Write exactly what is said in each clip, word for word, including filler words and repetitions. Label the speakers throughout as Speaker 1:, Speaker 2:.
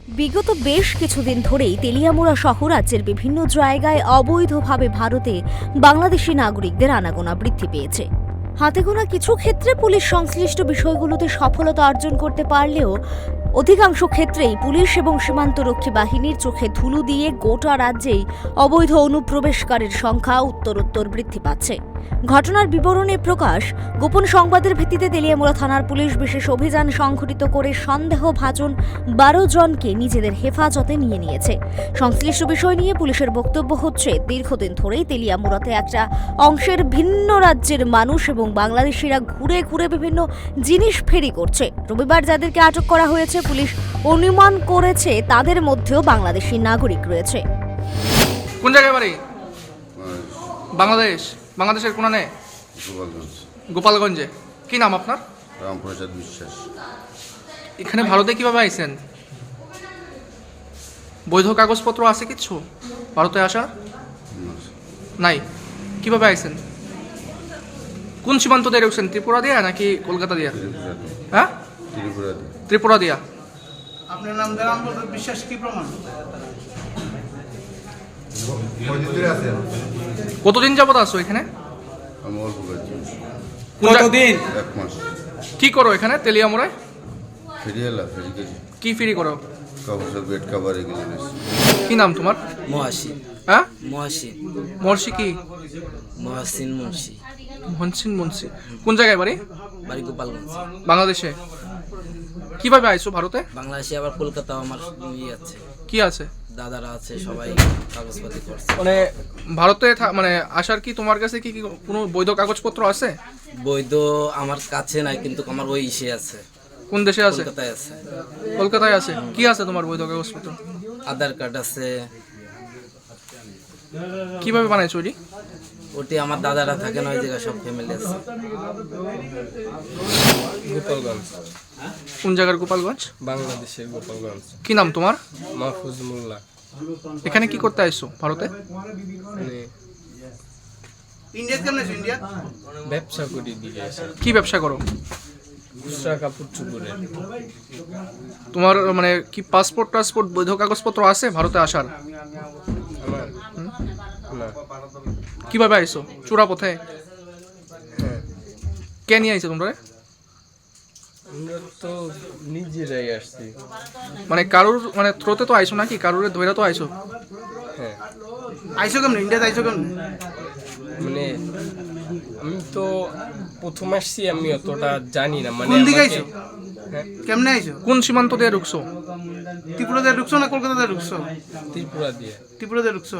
Speaker 1: বিগত বেশ কিছুদিন ধরেই তেলিয়ামুড়া সহ রাজ্যের বিভিন্ন জায়গায় অবৈধভাবে ভারতে বাংলাদেশি নাগরিকদের আনাগোনা বৃদ্ধি পেয়েছে। হাতে গোনা কিছু ক্ষেত্রে পুলিশ সংশ্লিষ্ট বিষয়গুলোতে সফলতা অর্জন করতে পারলেও অধিকাংশ ক্ষেত্রেই পুলিশ এবং সীমান্তরক্ষী বাহিনীর চোখে ধুলো দিয়ে গোটা রাজ্যেই অবৈধ অনুপ্রবেশকারীর সংখ্যা উত্তরোত্তর বৃদ্ধি পাচ্ছে। ঘটনার বিবরণে প্রকাশ, গোপন সংবাদের ভিত্তিতে তেলিয়ামুড়া থানার পুলিশ বিশেষ অভিযান সংঘটিত করে সন্দেহভাজন বারো জনকে নিজেদের হেফাজতে নিয়ে নিয়েছে। সংশ্লিষ্ট বিষয় নিয়ে পুলিশের বক্তব্য হচ্ছে, দীর্ঘদিন ধরেই তেলিয়ামুড়াতে একটা অংশের ভিন্ন রাজ্যের মানুষ এবং বাংলাদেশিরা ঘুরে ঘুরে বিভিন্ন জিনিস ফেরি করছে। রবিবার যাদেরকে আটক করা হয়েছে, পুলিশ অনুমান করেছে তাদের মধ্যেও বাংলাদেশি নাগরিক রয়েছে।
Speaker 2: কোন জায়গায় বাড়ি? বাংলাদেশ। বাংলাদেশের কোনানে?
Speaker 3: গোপালগঞ্জ।
Speaker 2: গোপালগঞ্জে। কি নাম আপনার?
Speaker 3: রামপ্রসাদ বিশ্বাস।
Speaker 2: এখানে ভারতে কিভাবে আইছেন? বৈধ কাগজপত্র আছে কিছু ভারতে আসা? নাই। কিভাবে আইছেন? কোন সীমান্ত দিয়ে ঢুকছেন? ত্রিপুরা দিয়া নাকি কলকাতা দিয়া? হ্যাঁ,
Speaker 3: ত্রিপুরা।
Speaker 2: ত্রিপুরা দিয়া।
Speaker 4: আপনার নাম রামপ্রসাদ বিশ্বাস, কি প্রমাণ?
Speaker 2: কতদিন যাবত আছো এখানে?
Speaker 3: আমি অল্প করেছি।
Speaker 2: কতদিন?
Speaker 3: এক মাস।
Speaker 2: কি করো এখানে তেলিয়ামুড়ায়?
Speaker 3: ফেরি এলা ফেরি গেছি।
Speaker 2: কি ফেরি করো?
Speaker 3: কাগজের বেড কাভার এগুলো নিয়েছি।
Speaker 2: কি নাম তোমার?
Speaker 5: মহাসিন।
Speaker 2: হ্যাঁ,
Speaker 5: মহাসিন।
Speaker 2: মর্ষি কি?
Speaker 5: মহাসিন মুন্সি।
Speaker 2: মনসিন মুন্সি। কোন জায়গায় বাড়ি?
Speaker 5: বাড়ি গোপালগঞ্জ।
Speaker 2: বাংলাদেশে। কিভাবে আইছো ভারতে?
Speaker 5: বাংলাদেশে আবার কলকাতাও আমার ইয়ে আছে,
Speaker 2: কি আছে?
Speaker 5: দাদারা আছে, সবাই কাগজপাতি করছে।
Speaker 2: মানে ভারতে থা- মানে আসার কি তোমার কাছে কি কি কোনো বৈধ কাগজপত্র আছে?
Speaker 5: বৈধ আমার কাছে নাই, কিন্তু আমার ওই ইসে আছে,
Speaker 2: কোন দেশে আছে?
Speaker 5: কলকাতায় আছে।
Speaker 2: কলকাতায় আছে। কি আছে তোমার বৈধ কাগজপত্র?
Speaker 5: আধার কার্ড আছে।
Speaker 2: কিভাবে বানাইছো ওটি?
Speaker 5: ওটি আমার দাদারা থাকে না, ওই জায়গায় সব ফ্যামিলি আছে।
Speaker 6: গোপালগঞ্জ।
Speaker 2: কোন জায়গার গোপালগঞ্জ?
Speaker 6: বাংলাদেশের গোপালগঞ্জ।
Speaker 2: কি নাম তোমার?
Speaker 6: মাহফুজ মোল্লা।
Speaker 2: এখানে কি করতে আইছো ভারতে?
Speaker 6: মানে
Speaker 4: ইন্ডিয়া কেমন আছে? ইন্ডিয়া
Speaker 6: ব্যবসা করি দিকে এসে
Speaker 2: কি ব্যবসা করো?
Speaker 6: খুচরা কাপড় চুপড়ের।
Speaker 2: তোমার মানে কি পাসপোর্ট টাসপোর্ট বৈধ কাগজপত্র আছে ভারতে আসার?
Speaker 6: আমার না।
Speaker 2: কিভাবে আইছো? চূড়া পথে?
Speaker 6: হ্যাঁ,
Speaker 2: কে নিয়ে আইছো তোমরা?
Speaker 6: আমরা তো নিজেরাই আসছি।
Speaker 2: মানে কারুর মানে থ্রোতে তো আইছো নাকি? কারুর ধৈরা তো আইছো?
Speaker 6: হ্যাঁ,
Speaker 4: আইসো কেমন? ইন্ডিয়াতে আইসো কেমন?
Speaker 6: মানে আমি তো প্রথম আসছি, আমি অতটা জানি না। মানে
Speaker 4: কোন দিকে
Speaker 6: আমাকে-
Speaker 4: আইছো?
Speaker 6: হ্যাঁ,
Speaker 4: কেমনে আইসো?
Speaker 2: কোন সীমান্ত দিয়ে ঢুকছো?
Speaker 4: ত্রিপুরাতে ঢুকছো না কলকাতাতে ঢুকছো?
Speaker 6: ত্রিপুরা দিয়ে।
Speaker 4: ত্রিপুরাতে ঢুকছো।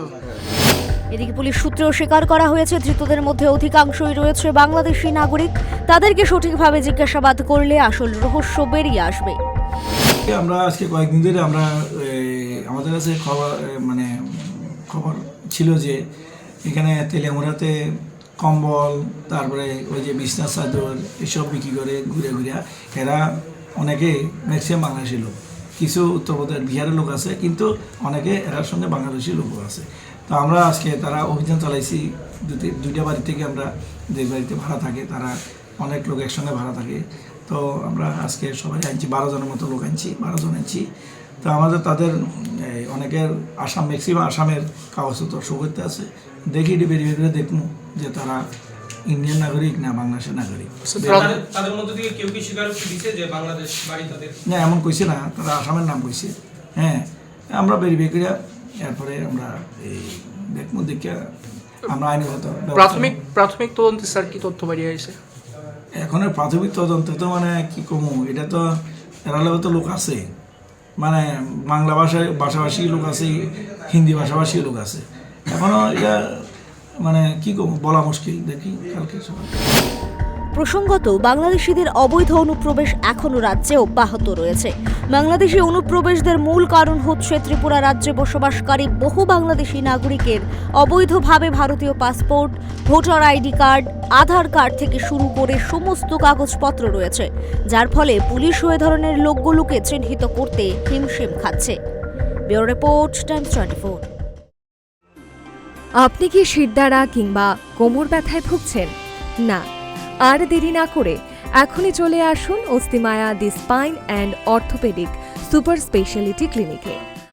Speaker 1: এদিকে পুলিশ সূত্রেও স্বীকার করা হয়েছে, ধৃতদের মধ্যে অধিকাংশই রয়েছে বাংলাদেশি নাগরিক। তাদেরকে সঠিকভাবে জিজ্ঞাসাবাদ করলে আসল রহস্য বেরিয়ে আসবে।
Speaker 7: আমরা আজকে কয়েকদিন ধরে আমরা এই, আমাদের কাছে খবর এ, মানে খবর ছিল যে এখানে তেলিয়ামুড়াতে কম্বল, তারপরে ওই যে বিছনা চাদর এসব বিক্রি করে ঘুরে ঘুরে এরা অনেকে ম্যাক্সিমাম বাংলাদেশি লোক, কিছু উত্তরপ্রদেশ বিহারের লোক আছে, কিন্তু অনেকে এরার সঙ্গে বাংলাদেশি লোকও আছে। তো আমরা আজকে তারা অভিযান চালাইছি। দুটি দুইটা বাড়ি থেকে আমরা যে বাড়িতে ভাড়া থাকে, তারা অনেক লোক একসঙ্গে ভাড়া থাকে। তো আমরা আজকে সবাই আনছি, বারো জনের মতো লোক আনছি, বারো জন আনছি। তো আমাদের তাদের এই, অনেকের আসাম, ম্যাক্সিমাম আসামের কাগজপত্র শো করতে আছে। দেখি ভেরিফাই করে দেখবো যে তারা ইন্ডিয়ান নাগরিক না বাংলাদেশের নাগরিক।
Speaker 8: তাদের মধ্যে থেকে কেউ কি স্বীকারোক্তি দিচ্ছে যে বাংলাদেশ বাড়ি তাদের?
Speaker 7: না, এমন কইছে না, তারা আসামের নাম কইছে। হ্যাঁ, আমরা ভেরিফাই করে এরপরে আমরা এই দেখবো, দেখে আমরা আইনগত ব্যবস্থা-
Speaker 2: প্রাথমিক প্রাথমিক তদন্তে স্যার কি তথ্য বেরিয়ে আসে?
Speaker 7: এখন প্রাথমিক তদন্ত তো মানে কি কমু, এটা তো এরালেও তো লোক আছে, মানে বাংলা ভাষায় ভাষাভাষী লোক আছে, হিন্দি ভাষাভাষী লোক আছে। এখনও এটা মানে কি কমু বলা মুশকিল। দেখি কালকে সবাই।
Speaker 1: প্রসঙ্গত, বাংলাদেশিদের অবৈধ অনুপ্রবেশ এখনও রাজ্যে অব্যাহত রয়েছে। বাংলাদেশি অনুপ্রবেশদের মূল কারণ হচ্ছে ত্রিপুরা রাজ্যে বসবাসকারী বহু বাংলাদেশি নাগরিকের অবৈধভাবে ভারতীয় passport, voter ID card, Aadhaar card থেকে শুরু করে সমস্ত কাগজপত্র রয়েছে, যার ফলে পুলিশ ওই ধরনের লোকগুলোকে চিহ্নিত করতে হিমশিম খাচ্ছে। Bureau report, Times twenty four.
Speaker 9: আপনি কি শিরদাঁড়া কিংবা কোমর ব্যথায় ভুগছেন? না, আর দেরি না করে এখনই চলে আসুন Asthimaya the spine and orthopaedic super speciality ক্লিনিকে।